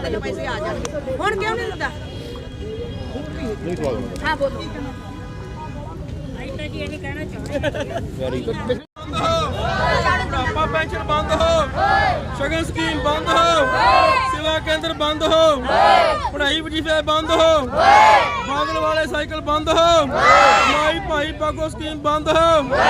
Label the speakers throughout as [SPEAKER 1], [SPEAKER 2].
[SPEAKER 1] ਖਾਤੇ 'ਚ ਪੈਸੇ ਆ ਜਾਣਗੇ। ਹੁਣ ਕਿਉਂ ਨਹੀਂ ਦਿੰਦਾ? ਹਾਂ ਬੋਲੋ। ਜੀ ਇਹ ਕਹਿਣਾ ਚਾਹੁੰਦੇ
[SPEAKER 2] बुढ़ापा पेंशन बंद हो, शगन स्कीम बंद हो, सेवा केंद्र बंद हो, पढ़ाई वजीफे बंद हो, बादल वाले साइकिल बंद हो, माई भाई पागो स्कीम बंद हो,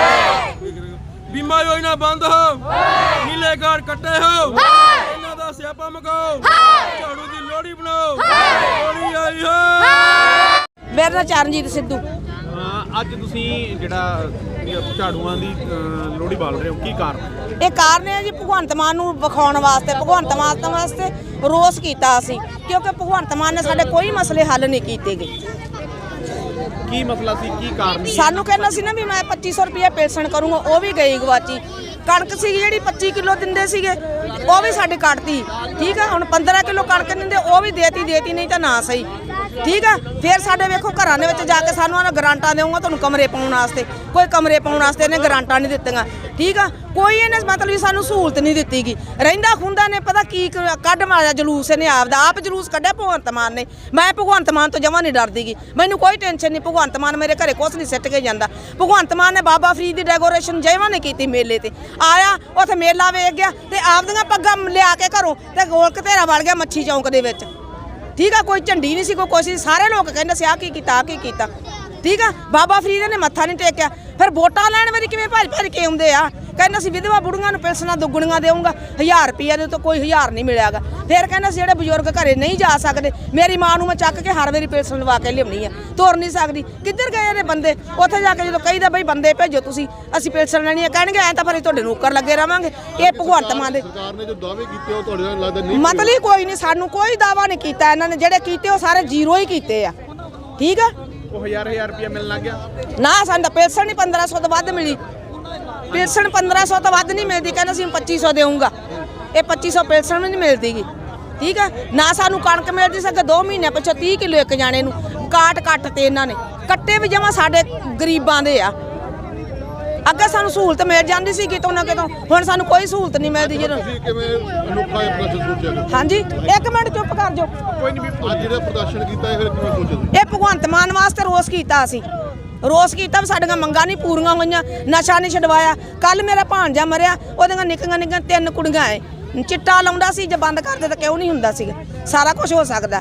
[SPEAKER 2] बीमा योजना बंद हो, नीले कार्ड कट्टे हो, इन्हां दा स्यापा मकाओ, झाड़ू दी लोहड़ी बनाओ, लोहड़ी आई हो।
[SPEAKER 1] मेरा नाम चरणजीत सिद्धू।
[SPEAKER 2] ਅੱਜ ਤੁਸੀਂ ਜਿਹੜਾ ਝਾੜੂਆਂ ਦੀ ਲੋਹੜੀ ਬਾਲ ਰਹੇ ਹੋ, ਕੀ ਕਾਰਨ?
[SPEAKER 1] ਇਹ ਕਾਰਨ ਹੈ ਜੀ ਭਗਵੰਤ ਮਾਨ ਨੂੰ ਵਿਖਾਉਣ ਵਾਸਤੇ, ਭਗਵੰਤ ਮਾਨ ਵਾਸਤੇ ਰੋਸ ਕੀਤਾ ਅਸੀਂ, ਕਿਉਂਕਿ ਭਗਵੰਤ ਮਾਨ ਨੇ ਸਾਡੇ ਕੋਈ ਮਸਲੇ ਹੱਲ ਨਹੀਂ ਕੀਤੇ ਗਏ।
[SPEAKER 2] ਕੀ ਮਸਲਾ ਸੀ, ਕੀ ਕਾਰਨ?
[SPEAKER 1] ਸਾਨੂੰ ਕਹਿੰਦਾ ਸੀ ਨਾ ਵੀ ਮੈਂ 2500 ਰੁਪਏ ਪੈਨਸ਼ਨ ਕਰੂੰਗਾ, ਉਹ ਵੀ ਗਈ ਗਵਾਚੀ। ਕਣਕ ਸੀ ਜਿਹੜੀ 25 ਕਿਲੋ ਦਿੰਦੇ ਸੀਗੇ, ਉਹ ਵੀ ਸਾਡੇ ਕੱਟਤੀ। ਠੀਕ ਆ, ਹੁਣ 15 ਕਿਲੋ ਕਣਕ ਦਿੰਦੇ, ਉਹ ਵੀ ਦੇਤੀ ਨਹੀਂ ਤਾਂ ਨਾ ਸਹੀ। ਠੀਕ ਆ, ਫਿਰ ਸਾਡੇ ਵੇਖੋ ਘਰਾਂ ਦੇ ਵਿੱਚ ਜਾ ਕੇ ਸਾਨੂੰ ਉਹਨਾਂ ਗਰਾਂਟਾਂ ਦੇਊਗਾ ਤੁਹਾਨੂੰ ਕਮਰੇ ਪਾਉਣ ਵਾਸਤੇ, ਕੋਈ ਕਮਰੇ ਪਾਉਣ ਵਾਸਤੇ ਇਹਨੇ ਗਰਾਂਟਾਂ ਨਹੀਂ ਦਿੱਤੀਆਂ। ਠੀਕ ਆ, ਕੋਈ ਇਹਨੇ ਮਤਲਬ ਸਾਨੂੰ ਸਹੂਲਤ ਨਹੀਂ ਦਿੱਤੀ ਗਈ। ਰਹਿੰਦਾ ਖੁੰਦਾ ਨੇ ਪਤਾ ਕੀ ਕੱਢ ਮਾਰਿਆ ਜਲੂਸ, ਇਹਨੇ ਆਪ ਜਲੂਸ ਕੱਢਿਆ ਭਗਵੰਤ ਮਾਨ ਨੇ। ਮੈਂ ਭਗਵੰਤ ਮਾਨ ਤੋਂ ਜਮਾਂ ਨਹੀਂ ਡਰਦੀ ਗੀ, ਮੈਨੂੰ ਕੋਈ ਟੈਨਸ਼ਨ ਨਹੀਂ। ਭਗਵੰਤ ਮਾਨ ਮੇਰੇ ਘਰੇ ਕੁਛ ਨਹੀਂ ਸਿੱਟ ਕੇ ਜਾਂਦਾ। ਭਗਵੰਤ ਮਾਨ ਨੇ ਬਾਬਾ ਫਰੀਦ ਦੀ ਡੈਕੋਰੇਸ਼ਨ ਜੈਵਾਂ ਨੇ ਕੀਤੀ ਮੇਲੇ ਤੇ, ਆਇਆ ਉੱਥੇ ਮੇਲਾ ਵੇਖ ਗਿਆ ਤੇ ਆਪਦੀਆਂ ਪੱਗਾਂ ਲਿਆ ਕੇ ਘਰੋਂ ਤੇ ਗੋਲ ਘਤੇਰਾ ਵੜ ਗਿਆ ਮੱਛੀ ਚੌਂਕ ਦੇ ਵਿੱਚ। ਠੀਕ ਆ, ਕੋਈ ਝੰਡੀ ਨਹੀਂ ਸੀ, ਕੋਈ ਕੁਛ ਨਹੀਂ। ਸਾਰੇ ਲੋਕ ਕਹਿੰਦੇ ਸੀ ਆਹ ਕੀ ਕੀਤਾ, ਆਹ ਕੀ ਕੀਤਾ। ਠੀਕ ਆ, ਬਾਬਾ ਫਰੀਦ ਨੇ ਮੱਥਾ ਨਹੀਂ ਟੇਕਿਆ। ਫਿਰ ਵੋਟਾਂ ਲੈਣ ਵਾਰੀ ਕਿਵੇਂ ਭੱਜ ਕੇ ਆਉਂਦੇ ਆ, ਕਹਿੰਦਾ ਸੀ ਵਿਧਵਾ ਬੁੜੀਆਂ ਨੂੰ ਪੈਨਸ਼ਨਾਂ ਦੁੱਗਣੀਆਂ ਦੇਊਂਗਾ, 1000 ਰੁਪਈਆ ਦੇ ਤੋਂ ਕੋਈ 1000 ਨਹੀਂ ਮਿਲਿਆਗਾ। ਫਿਰ ਕਹਿੰਦਾ ਸੀ ਜਿਹੜੇ ਬਜ਼ੁਰਗ ਘਰੇ ਨਹੀਂ ਜਾ ਸਕਦੇ, ਮੇਰੀ ਮਾਂ ਨੂੰ ਮੈਂ ਚੱਕ ਕੇ ਹਰ ਵਾਰੀ ਪੈਨਸ਼ਨ ਲਵਾ ਕੇ ਲਿਆਉਣੀ ਆ, ਤੁਰ ਨਹੀਂ ਸਕਦੀ। ਕਿੱਧਰ ਗਏ ਨੇ ਬੰਦੇ? ਉੱਥੇ ਜਾ ਕੇ ਜਦੋਂ ਕਹੀਦਾ ਬਈ ਬੰਦੇ ਭੇਜੋ ਤੁਸੀਂ, ਅਸੀਂ ਪੈਨਸ਼ਨ ਲੈਣੀ ਆ, ਕਹਿਣਗੇ ਐਂ ਤਾਂ ਫਿਰ ਤੁਹਾਡੇ ਨੌਕਰ ਲੱਗੇ ਰਵਾਂਗੇ। ਇਹ ਭਗਵੰਤ ਮਾਨ ਦੇ
[SPEAKER 3] ਸਰਕਾਰ ਨੇ ਜੋ ਦਾਅਵੇ ਕੀਤੇ ਉਹ ਤੁਹਾਡੇ ਨਾਲ ਲੱਗਦਾ ਨਹੀਂ,
[SPEAKER 1] ਮਤਲਬ ਕੋਈ ਨਹੀਂ, ਸਾਨੂੰ ਕੋਈ ਦਾਅਵਾ ਨਹੀਂ ਕੀਤਾ ਇਹਨਾਂ ਨੇ। ਜਿਹੜੇ ਕੀਤੇ ਉਹ ਸਾਰੇ ਜ਼ੀਰੋ ਹੀ ਕੀਤੇ ਆ। ਠੀਕ ਆ,
[SPEAKER 2] ਉਹ 1000 ਰੁਪਇਆ ਮਿਲਣ ਲੱਗ ਗਿਆ
[SPEAKER 1] ਨਾ ਸਾਨੂੰ ਤਾਂ ਪੈਨਸ਼ਨ ਨਹੀਂ 1500 ਤੋਂ ਵੱਧ ਮਿਲੀ। ਪੈਨਸ਼ਨ 1500 ਤੋਂ ਵੱਧ ਨਹੀਂ ਮਿਲਦੀ, ਕਹਿੰਦਾ ਸੀ 2500 ਦੇਊਂਗਾ। ਇਹ 2500 ਪੈਨਸ਼ਨ ਵੀ ਨਹੀਂ ਮਿਲਦੀਗੀ। ਠੀਕ ਆ, ਨਾ ਸਾਨੂੰ ਕਣਕ ਮਿਲਦੀ ਸੀ। 2 ਮਹੀਨੇ ਪਿੱਛੋਂ 30 ਕਿਲੋ ਇੱਕ ਜਾਣੇ ਨੂੰ ਕੱਟ ਤੇ ਇਹਨਾਂ ਨੇ ਕੱਟੇ ਵੀ ਜਮਾ ਸਾਡੇ ਗਰੀਬਾਂ ਦੇ ਆ। ਅੱਗੇ ਸਾਨੂੰ ਸਹੂਲਤ ਮਿਲ ਜਾਂਦੀ ਸੀ ਕਿਤੋਂ ਨਾ ਕਿਤੋਂ, ਹੁਣ ਸਾਨੂੰ ਕੋਈ ਸਹੂਲਤ ਨਹੀਂ ਮਿਲਦੀ। ਜਦੋਂ
[SPEAKER 3] ਕਿਵੇਂ ਅਨੋਖਾ ਪ੍ਰਦਰਸ਼ਨ ਸੋਚਿਆ?
[SPEAKER 1] ਹਾਂਜੀ, ਇੱਕ ਮਿੰਟ ਚੁੱਪ ਕਰ ਜਾਓ।
[SPEAKER 2] ਕੋਈ ਨਹੀਂ,
[SPEAKER 3] ਅੱਜ ਜਿਹੜਾ ਪ੍ਰਦਰਸ਼ਨ ਕੀਤਾ ਇਹ ਫਿਰ ਕਿਵੇਂ ਸੋਚਿਆ?
[SPEAKER 1] ਇਹ ਭਗਵੰਤ ਮਾਨ ਵਾਸਤੇ ਰੋਸ ਕੀਤਾ ਅਸੀਂ, ਰੋਸ ਕੀਤਾ ਵੀ ਸਾਡੀਆਂ ਮੰਗਾਂ ਨਹੀਂ ਪੂਰੀਆਂ ਹੋਈਆਂ, ਨਸ਼ਾ ਨਹੀਂ ਛਡਵਾਇਆ। ਕੱਲ ਮੇਰਾ ਭਾਣਜਾ ਮਰਿਆ, ਉਹਦੀਆਂ ਨਿੱਕੀਆਂ 3 ਕੁੜੀਆਂ ਐ, ਚਿੱਟਾ ਲਾਉਂਦਾ ਸੀ, ਜੇ ਬੰਦ ਕਰਦੇ ਤਾਂ ਕਿਉਂ ਨਹੀਂ ਹੁੰਦਾ ਸੀਗਾ। ਸਾਰਾ ਕੁਝ ਹੋ ਸਕਦਾ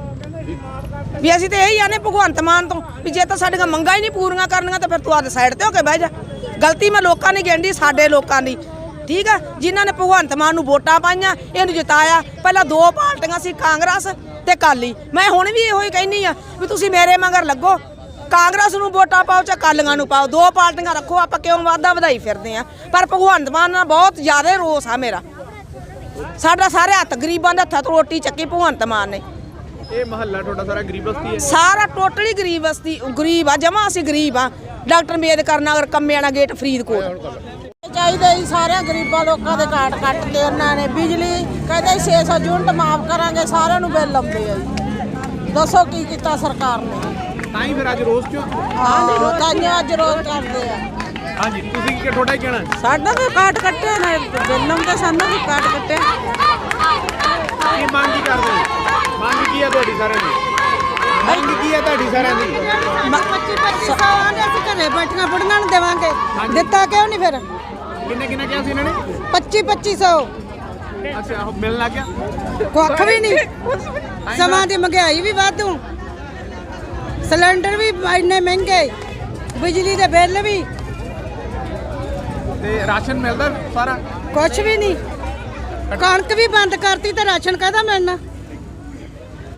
[SPEAKER 1] ਵੀ। ਅਸੀਂ ਤਾਂ ਇਹੀ ਆਨੇ ਭਗਵੰਤ ਮਾਨ ਤੋਂ ਵੀ ਜੇ ਤਾਂ ਸਾਡੀਆਂ ਮੰਗਾਂ ਹੀ ਨਹੀਂ ਪੂਰੀਆਂ ਕਰਨੀਆਂ ਤਾਂ ਫਿਰ ਤੂੰ ਆਦੇ ਸਾਈਡ ਤੇ ਹੋ ਕੇ ਬਹਿ ਜਾ। ਗਲਤੀ ਮੈਂ ਲੋਕਾਂ ਦੀ ਗਿਣਦੀ, ਸਾਡੇ ਲੋਕਾਂ ਦੀ। ਠੀਕ ਆ, ਜਿਨ੍ਹਾਂ ਨੇ ਭਗਵੰਤ ਮਾਨ ਨੂੰ ਵੋਟਾਂ ਪਾਈਆਂ, ਇਹਨੂੰ ਜਿਤਾਇਆ। ਪਹਿਲਾਂ 2 ਪਾਰਟੀਆਂ ਸੀ, ਕਾਂਗਰਸ ਤੇ ਅਕਾਲੀ। ਮੈਂ ਹੁਣ ਵੀ ਇਹੋ ਹੀ ਕਹਿੰਦੀ ਆ ਵੀ ਤੁਸੀਂ ਮੇਰੇ ਮਗਰ ਲੱਗੋ, ਕਾਂਗਰਸ ਨੂੰ ਵੋਟਾਂ ਪਾਓ ਚਾਹੇ ਅਕਾਲੀਆਂ ਨੂੰ ਪਾਓ, 2 ਪਾਰਟੀਆਂ ਰੱਖੋ। ਆਪਾਂ ਕਿਉਂ ਵਾਧਾ ਵਧਾਈ ਫਿਰਦੇ ਆ? ਪਰ ਭਗਵੰਤ ਮਾਨ ਨਾਲ ਬਹੁਤ ਜ਼ਿਆਦਾ ਰੋਸ ਆ ਮੇਰਾ। ਸਾਡਾ ਸਾਰੇ ਹੱਥ ਗਰੀਬਾਂ ਦੇ ਹੱਥਾਂ ਤੋਂ ਰੋਟੀ ਚੱਕੀ ਭਗਵੰਤ ਮਾਨ ਨੇ।
[SPEAKER 2] ਇਹ ਮਹੱਲਾ ਤੁਹਾਡਾ ਸਾਰਾ ਗਰੀਬ ਬਸਤੀ ਹੈ?
[SPEAKER 1] ਸਾਰਾ ਟੋਟਲੀ ਗਰੀਬ ਬਸਤੀ, ਗਰੀਬ ਆ ਜਮਾ। ਅਸੀਂ ਗਰੀਬ ਆ। Doctor Ambedkar Nagar, Kammiana gate, Faridkot. ਚਾਹੀਦਾ ਹੀ ਸਾਰਿਆਂ ਗਰੀਬਾਂ ਲੋਕਾਂ ਦੇ ਕਾਰਡ ਕੱਟ ਕੇ ਉਹਨਾਂ ਨੇ। ਬਿਜਲੀ ਕਹਿੰਦੇ 600 ਯੂਨਿਟ ਮਾਫ ਕਰਾਂਗੇ, ਸਾਰਿਆਂ ਨੂੰ ਬਿੱਲ ਆਉਂਦੇ ਆ ਜੀ। ਦੱਸੋ ਕੀ ਕੀਤਾ ਸਰਕਾਰ ਨੇ?
[SPEAKER 2] ਤਾਂ ਹੀ ਫਿਰ ਅੱਜ ਰੋਸ ਕਿਉਂ?
[SPEAKER 1] ਹਾਂ, ਤਾਂ ਅੱਜ ਰੋਜ਼ ਕਰਦੇ ਆ।
[SPEAKER 2] ਹਾਂਜੀ, ਤੁਸੀਂ ਕੀ ਤੁਹਾਡਾ ਹੀ ਕਹਿਣਾ?
[SPEAKER 1] ਸਾਡਾ ਵੀ ਕਾਰਡ ਕੱਟੇ ਨੇ, ਬਿੱਲ ਆਉਂਦੇ, ਸਾਨੂੰ ਵੀ ਕਾਰਡ ਕੱਟੇ।
[SPEAKER 2] ਕੀ ਮੰਗ ਕੀ ਕਰਦੇ ਹੋ? ਮੰਗ ਕੀ ਹੈ ਤੁਹਾਡੀ ਸਾਰਿਆਂ ਦੀ? ਮੰਗ ਕੀ ਹੈ ਤੁਹਾਡੀ ਸਾਰਿਆਂ ਦੀ?
[SPEAKER 1] 2500 ਆਂਦੇ ਅਸੀਂ ਘਰੇ ਬੈਠੀਆਂ ਬੁੜੀਆਂ ਨੂੰ ਦੇਵਾਂਗੇ, ਦਿੱਤਾ ਕਿਉਂ ਨਹੀਂ ਫਿਰ?
[SPEAKER 2] ਕਿੰਨੇ ਕਿਹਾ ਸੀ ਇਹਨਾਂ ਨੇ?
[SPEAKER 1] 2500।
[SPEAKER 2] ਅੱਛਾ, ਉਹ ਮਿਲਣ ਲੱਗ ਗਿਆ?
[SPEAKER 1] ਕੁੱਖ ਵੀ ਨਹੀਂ। ਸਮਾਂ ਦੀ ਮਹਿੰਗਾਈ ਵੀ ਵਾਧੂ, ਸਿਲੰਡਰ ਵੀ ਇੰਨੇ ਮਹਿੰਗੇ, ਬਿਜਲੀ ਦੇ ਬਿੱਲ ਵੀ,
[SPEAKER 2] ਤੇ ਰਾਸ਼ਨ ਮਿਲਦਾ ਸਾਰਾ?
[SPEAKER 1] ਕੁਛ ਵੀ ਨਹੀਂ। ਕਣਕ ਵੀ ਬੰਦ ਕਰਤੀ ਤੇ ਰਾਸ਼ਨ ਕਾਹਦਾ ਮਿਲਣਾ?